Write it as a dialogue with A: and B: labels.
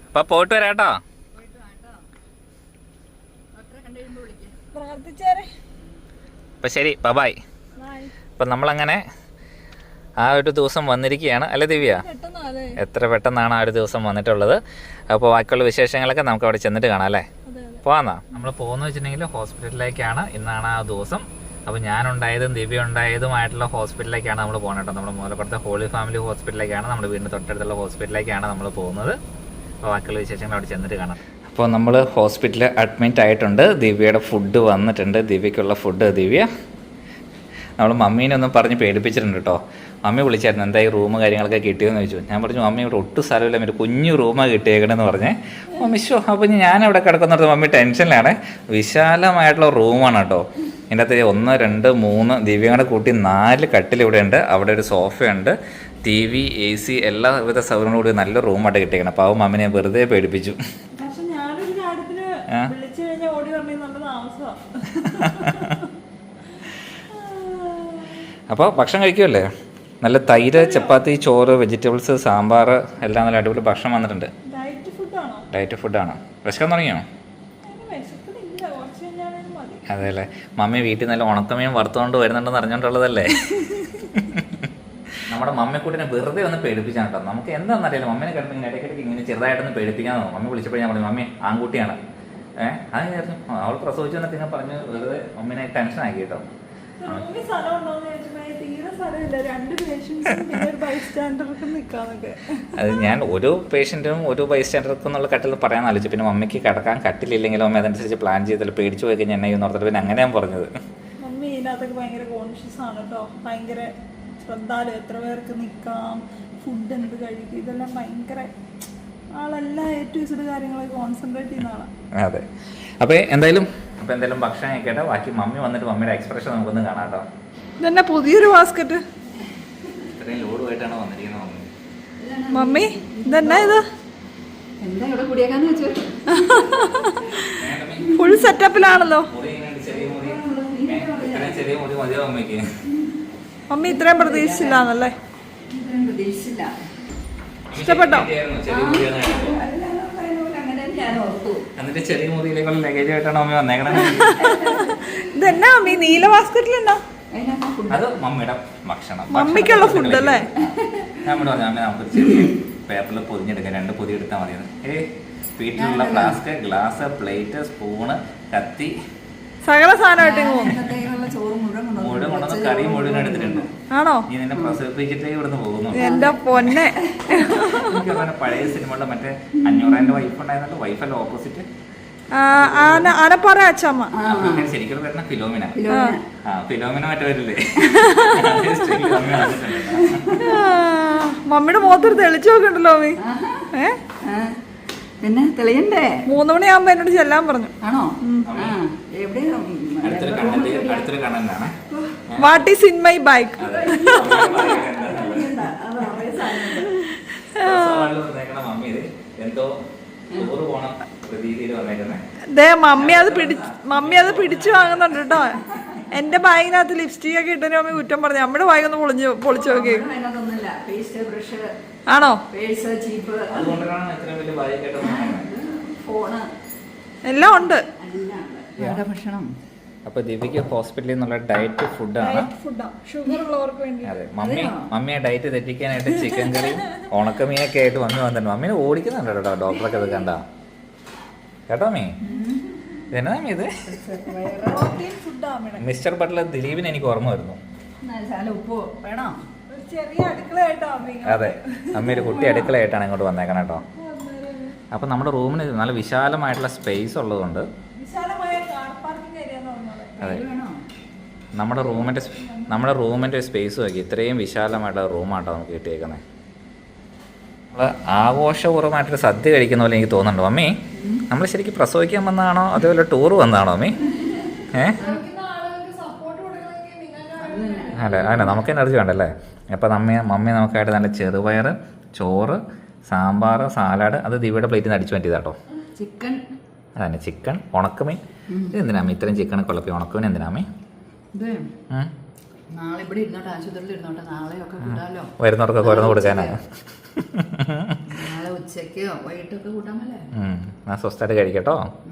A: അപ്പൊ പോയിട്ട് വരാട്ടോ. അപ്പൊ ശരി, ബൈ. അപ്പൊ നമ്മളങ്ങനെ ആ ഒരു ദിവസം വന്നിരിക്കുകയാണ് അല്ലേ ദിവ്യ? എത്ര പെട്ടെന്നാണ് ആ ഒരു ദിവസം വന്നിട്ടുള്ളത്. അപ്പോൾ ബാക്കിയുള്ള വിശേഷങ്ങളൊക്കെ നമുക്ക് അവിടെ ചെന്നിട്ട് കാണാം അല്ലേ? പോവാന്നാ. നമ്മൾ പോകുന്ന വെച്ചിട്ടുണ്ടെങ്കിൽ ഹോസ്പിറ്റലിലേക്കാണ്. ഇന്നാണ് ആ ദിവസം. അപ്പോൾ ഞാനുണ്ടായതും ദിവ്യ ഉണ്ടായതുമായിട്ടുള്ള ഹോസ്പിറ്റലിലേക്കാണ് നമ്മൾ പോകുന്നത് കേട്ടോ. നമ്മുടെ മൂലപ്പുറത്തെ ഹോളി ഫാമിലി ഹോസ്പിറ്റലിലേക്കാണ്, നമ്മുടെ വീടിൻ്റെ തൊട്ടടുത്തുള്ള ഹോസ്പിറ്റലിലേക്കാണ് നമ്മൾ പോകുന്നത്. അപ്പോൾ ബാക്കിയുള്ള വിശേഷങ്ങൾ അവിടെ ചെന്നിട്ട് കാണാം. അപ്പോൾ നമ്മൾ ഹോസ്പിറ്റലിൽ അഡ്മിറ്റ് ആയിട്ടുണ്ട്. ദിവ്യയുടെ ഫുഡ് വന്നിട്ടുണ്ട്. ദിവ്യക്കുള്ള ഫുഡ് ദിവ്യ നമ്മൾ മമ്മീനെ ഒന്നും പറഞ്ഞ് പേടിപ്പിച്ചിട്ടുണ്ട് കേട്ടോ. മമ്മി വിളിച്ചായിരുന്നു, എന്താ ഈ റൂം കാര്യങ്ങളൊക്കെ കിട്ടിയെന്ന് ചോദിച്ചു. ഞാൻ പറഞ്ഞു മമ്മി ഇവിടെ ഒട്ടും സ്ഥലമില്ല, ഒരു കുഞ്ഞു റൂമാണ് കിട്ടിയേക്കണമെന്ന് പറഞ്ഞേ. മമ്മി ഷോ അപ്പോൾ ഞാൻ ഇവിടെ കിടക്കുന്നത് മമ്മി ടെൻഷനിലാണ്. വിശാലമായിട്ടുള്ള റൂമാണ് കേട്ടോ. ഇതിൻ്റെ അകത്ത് 1, 2, 3 ദിവ്യങ്ങളുടെ കൂട്ടി 4 കട്ടിൽ ഇവിടെ ഉണ്ട്. അവിടെ ഒരു സോഫയുണ്ട്, TV, AC എല്ലാവിധ സൗകര്യങ്ങളും കൂടി നല്ല റൂമായിട്ട് കിട്ടിയേക്കണം. അപ്പോൾ ആ മമ്മിനെ വെറുതെ പേടിപ്പിച്ചു. അപ്പോൾ ഭക്ഷണം കഴിക്കുമല്ലേ? നല്ല തൈര്, ചപ്പാത്തി, ചോറ്, വെജിറ്റബിൾസ്, സാമ്പാർ എല്ലാം നല്ല അടിപൊളി ഭക്ഷണം വന്നിട്ടുണ്ട്. ഡയറ്റ് ഫുഡാണ്. വിശക്കാൻ തുടങ്ങിയോ? അതെ അല്ലേ. മമ്മി വീട്ടിൽ നല്ല ഉണക്കമീൻ വറുത്തുകൊണ്ട് വരുന്നുണ്ടെന്ന് അറിഞ്ഞോണ്ടുള്ളതല്ലേ? നമ്മുടെ മമ്മിക്കുട്ടിനെ വെറുതെ ഒന്ന് പേടിപ്പിച്ചാണ് കേട്ടോ. നമുക്ക് എന്താണെന്നറിയില്ല, മമ്മീനെ കിടന്ന് ഇടയ്ക്കിടയ്ക്ക് ഇങ്ങനെ ചെറുതായിട്ടൊന്ന് പേടിപ്പിക്കാൻ തോന്നും. മമ്മി വിളിച്ചപ്പോഴേ ഞാൻ പറഞ്ഞു മമ്മി ആൺകുട്ടിയാണ്, അത് വിചാരിച്ചു അവൾ പ്രസവിച്ചു എന്നൊക്കെ ഞാൻ പറഞ്ഞ് വെറുതെ മമ്മീനെ ടെൻഷൻ ആക്കി കേട്ടോ. അത് ഞാൻ ഒരു പേഷ്യൻറ്റും ഒരു ബൈസ്റ്റാൻഡർക്കും എന്നുള്ള കട്ടിൽ പറയാൻ ആലോചിച്ചു. പിന്നെ മമ്മിക്ക് കിടക്കാൻ കട്ടിലില്ലെങ്കിലും അമ്മ അതനുസരിച്ച് പ്ലാൻ ചെയ്തില്ല. പേടിച്ചു പോയി കഴിഞ്ഞാൽ എന്നെ ഓർത്തിട്ട് പിന്നെ അങ്ങനെ ഞാൻ പറഞ്ഞത്.
B: മമ്മി ഇതിനകത്തൊക്കെ ഭയങ്കര കോൺഷ്യസ് ആണ് കേട്ടോ. ഭയങ്കര ശ്രദ്ധാലു, എത്ര പേർക്ക് നിൽക്കാം, ഫുഡ് എന്ത് കഴിക്കും, ഇതെല്ലാം ഭയങ്കര ആളെല്ലാം ഏറ്റവും കാര്യങ്ങളൊക്കെ കോൺസെൻട്രേറ്റ് ചെയ്യുന്ന ആളാണ്.
A: അതെ. അപ്പോൾ എന്തായാലും ഭക്ഷണം കഴിക്കട്ടെ. ബാക്കി മമ്മി വന്നിട്ട് മമ്മിയുടെ എക്സ്പ്രഷൻ നമുക്കൊന്ന് കാണാം കേട്ടോ.
B: ഇതെന്നെ പുതിയൊരു ബാസ്ക്കറ്റ്
A: ഇത്രയും ലോഡുമായിട്ടാണ് വന്നിരിക്കുന്നത്
B: മമ്മി. ഇതെന്നാ ഇത്? ഫുൾ സെറ്റപ്പിലാണല്ലോ മമ്മി. ഇത്രയും പ്രതീക്ഷിച്ചില്ലാന്നല്ലേ? ഇഷ്ടപ്പെട്ടോ?
A: എന്നിട്ട് ചെറിയ മുറിയിലേക്കുള്ള ലഗേജ് ആയിട്ടാണ് മമ്മി വന്നേക്കണേ.
B: ഇതെന്നാ മമ്മി നീല ബാസ്ക്കറ്റിലെന്നാ?
A: അത് മമ്മിയുടെ ഭക്ഷണം,
B: മമ്മിക്കുള്ള ഫുഡ് അല്ലേ?
A: ഞാൻ ഇവിടെ പറഞ്ഞു അമ്മ നമുക്ക് ചെറിയ പേപ്പറിൽ പൊതിഞ്ഞെടുക്കാം, 2 പൊതി എടുത്താൽ മതി. വീട്ടിലുള്ള ഫ്ലാസ്ക്, ഗ്ലാസ്, പ്ലേറ്റ്, സ്പൂണ്, കത്തി,
B: സകല സാധനമായിട്ട്
A: മുഴുവൻ കൊണ്ടുവന്ന് കറി മുഴുവൻ എടുത്തിട്ടുണ്ട്.
B: ആണോ?
A: നീ നിന്നെ പ്രസവിപ്പിച്ചിട്ടേ ഇവിടുന്ന് പോകുന്നു.
B: എന്റെ പൊന്നെ.
A: എനിക്ക് പഴയ സിനിമകളുടെ മറ്റേ 500 വൈഫ് ഉണ്ടായിരുന്നല്ലോ, വൈഫല്ല ഓപ്പോസിറ്റ്
B: ആനപ്പാറ അച്ചമ്മ.
A: ശരിക്കും വരുന്ന ഫിലോമിന. ഫിലോമിന മറ്റേ വരില്ലേ?
B: മമ്മിയുടെ മുഖത്തൊരു തെളിച്ചു നോക്കണ്ടല്ലോ മമ്മി.
C: പിന്നെ തെളിയണ്ടേ?
B: 3 മണിയാകുമ്പോ എന്നോട് ചെല്ലാൻ പറഞ്ഞു.
C: ആണോ?
B: What is in my bike? Mummy അത് പിടിച്ചു വാങ്ങുന്നുണ്ട് കേട്ടോ. എന്റെ ബാഗിനകത്ത് ലിപ്സ്റ്റിക് ഒക്കെ ഇട്ടതിന് മമ്മി കുറ്റം പറഞ്ഞു. നമ്മുടെ ബാഗ് ഒന്ന് പൊളിച്ചു നോക്കി. ആണോ? എല്ലാം ഉണ്ട്.
C: ഭക്ഷണം.
A: അപ്പൊ ദിവ്യക്ക് ഹോസ്പിറ്റലിൽ നിന്നുള്ള ഡയറ്റ് ഫുഡാണ്. അതെ, മമ്മിയെ ഡയറ്റ് തെറ്റിക്കാനായിട്ട് ചിക്കൻ കറി, ഉണക്കമീനൊക്കെ ആയിട്ട് വന്നിട്ടുണ്ട്. മമ്മീനെ ഓടിക്കുന്നുണ്ട് കേട്ടോ ഡോക്ടറൊക്കെ ഇത് കണ്ട കേട്ടോ. മീ ഇതെന്നാ ഇത്? മിസ്റ്റർ ബട്ട്ലർ ദിലീപിന് എനിക്ക് ഓർമ്മ വരുന്നു. അതെ, അമ്മ ഒരു കുട്ടി അടുക്കളയായിട്ടാണ് ഇങ്ങോട്ട് വന്നേക്കണം കേട്ടോ. അപ്പൊ നമ്മുടെ റൂമിന് നല്ല വിശാലമായിട്ടുള്ള സ്പേസ് ഉള്ളതുകൊണ്ട് അതെ നമ്മുടെ റൂമിൻ്റെ സ്പേസ് നോക്കി ഇത്രയും വിശാലമായിട്ടുള്ള റൂമാട്ടോ നമുക്ക് കിട്ടിയേക്കുന്നത്. നമ്മൾ ആഘോഷപൂർവ്വമായിട്ടൊരു സദ്യ കഴിക്കുന്ന പോലെ എനിക്ക് തോന്നുന്നുണ്ട്. മമ്മി നമ്മൾ ശരിക്കും പ്രസവിക്കാൻ വന്നതാണോ അതേപോലെ ടൂർ വന്നതാണോ മമ്മി? അല്ല നമുക്ക് എനർജി വേണ്ടല്ലേ? അപ്പോൾ മമ്മി നമുക്കായിട്ട് നല്ല ചെറുപയർ, ചോറ്, സാമ്പാർ, സാലാഡ്, അത് ദിവ്യയുടെ പ്ലേറ്റിൽ നിന്ന് അടിച്ചു പറ്റിയതാട്ടോ. അതന്നെ ചിക്കൻ, ഉണക്കമീൻ. ഇത് എന്തിനാമേ ഇത്രയും ചിക്കൻ കുഴപ്പം? ഉണക്കമീൻ എന്തിനാമേ? വരുന്നവർക്കൊക്കെ ഓരോന്ന് കൊടുക്കാനാണ്.
C: ഉച്ചയ്ക്കോ വൈകിട്ടൊക്കെ കൂട്ടാമല്ലേ.
A: ഞാൻ സ്വസ്ഥമായിട്ട് കഴിക്കട്ടോ.